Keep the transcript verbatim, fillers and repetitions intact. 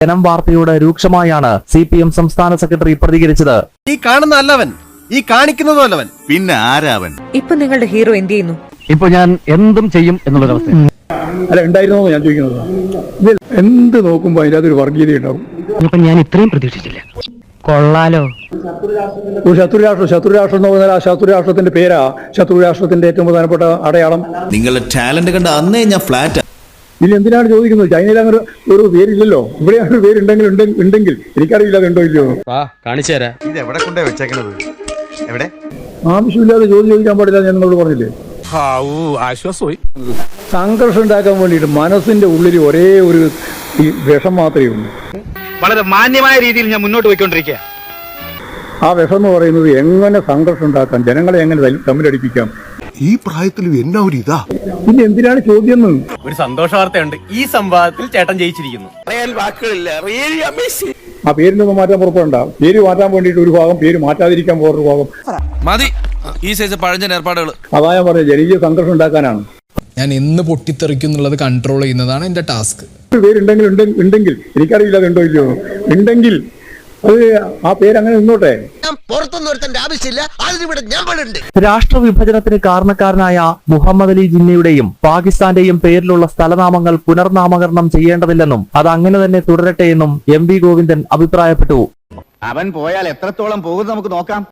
ജനം വാർത്തയോട് രൂക്ഷമായാണ് സി പി എം സംസ്ഥാന സെക്രട്ടറി പ്രതികരിച്ചത്. ഈ കാണുന്ന അല്ലവൻ, ഈ കാണിക്കുന്നതും അല്ലവൻ, പിന്നെ ആരാവൻ? ഇപ്പൊ നിങ്ങളുടെ ഹീറോ എന്ത് ചെയ്യുന്നു? ഇപ്പൊ ഞാൻ എന്തും ചെയ്യും എന്നുള്ളൊരവസ്ഥ അല്ല ഉണ്ടായിരുന്നോ ഞാൻ ചോദിക്കുന്നത്. എന്ത് നോക്കുമ്പോ അതിൻ്റെ അതൊരു വർഗീയത ഉണ്ടാവും. ഇപ്പൊ ഞാൻ ഇത്രയും പ്രതീക്ഷിച്ചില്ല. കൊള്ളാലോ. ഒരു ശത്രുരാഷ്ട്രം ശത്രുരാഷ്ട്രം എന്ന് പറഞ്ഞാൽ ആ ശത്രുരാഷ്ട്രത്തിന്റെ പേരാ ശത്രുരാഷ്ട്രത്തിന്റെ ഏറ്റവും പ്രധാനപ്പെട്ട അടയാളം. നിങ്ങളുടെ ടാലന്റ് കണ്ട അന്നേ ഞാൻ ഫ്ലാറ്റ്. ഇനി എന്തിനാണ് ചോദിക്കുന്നത്? ചൈനയിൽ അങ്ങനെ ഒരു പേരില്ലല്ലോ. ഇവിടെ ഒരു പേരുണ്ടെങ്കിൽ ഉണ്ടെങ്കിൽ എനിക്കറിയില്ല അത് ഉണ്ടോ ഇല്ലയോ. കാണിച്ചു തരാം. ഇത് എവിടെ കൊണ്ടേ വെച്ചേക്കണത്? എവിടെ? ആവശ്യമില്ലാതെ ചോദ്യം ചോദിക്കാൻ പാടില്ല ഞാൻ നിങ്ങളോട് പറഞ്ഞില്ലേ. ആശ്വാസമായി. സംഘർഷം ഉണ്ടാക്കാൻ വേണ്ടിയിട്ട് മനസ്സിന്റെ ഉള്ളിൽ ഒരേ ഒരു ഈ വിഷം മാത്രമേ ഉള്ളൂ. വളരെ മാന്യമായ രീതിയിൽ ഞാൻ മുന്നോട്ട് പോയിക്കൊണ്ടിരിക്കുക. ആ വിഷം എന്ന് പറയുന്നത് എങ്ങനെ സംഘർഷം ഉണ്ടാക്കാം, ജനങ്ങളെ എങ്ങനെ തമ്മിലടിപ്പിക്കാം. ഈ പ്രായത്തിലും എന്നാ ഒരു ഇതാ. പിന്നെ എന്തിനാണ് ചോദ്യം? ഒരു സന്തോഷ വാർത്തയുണ്ട്. ഈ സംവാദത്തിൽ ചേട്ടൻ ജയിച്ചിരിക്കുന്നു. ആ പേരിനൊന്നും മാറ്റാൻ പുറപ്പെടണ്ട. പേര് മാറ്റാൻ വേണ്ടിയിട്ട് ഒരു ഭാഗം, പേര് മാറ്റാതിരിക്കാൻ വേറൊരു ഭാഗം മതി ഈ സൈസ് പഴഞ്ചൻ ഏർപ്പാടുകൾ. അതാ ഞാൻ പറഞ്ഞത്, ജനകീയ സംഘർഷം ഉണ്ടാക്കാനാണ്. ഞാൻ എന്ന് പൊട്ടിത്തെറിക്കും എന്നുള്ളത് കൺട്രോൾ ചെയ്യുന്നതാണ് എന്റെ ടാസ്ക്. ഒരു പേരുണ്ടെങ്കിൽ ഉണ്ടെങ്കിൽ എനിക്കറിയില്ല അത് ഉണ്ടോ ഇല്ലയോ. ഉണ്ടെങ്കിൽ അത് ആ പേര് അങ്ങനെ നിന്നോട്ടെ. രാഷ്ട്രവിഭജനത്തിന് കാരണക്കാരനായ മുഹമ്മദ് അലി ജിന്നയുടെയും പാകിസ്ഥാന്റെയും പേരിലുള്ള സ്ഥലനാമങ്ങൾ പുനർനാമകരണം ചെയ്യേണ്ടതില്ലെന്നും അത് അങ്ങനെ തന്നെ തുടരട്ടെ എന്നും എം വി ഗോവിന്ദൻ അഭിപ്രായപ്പെട്ടു. അവൻ പോയാൽ എത്രത്തോളം പോകും നമുക്ക് നോക്കാം.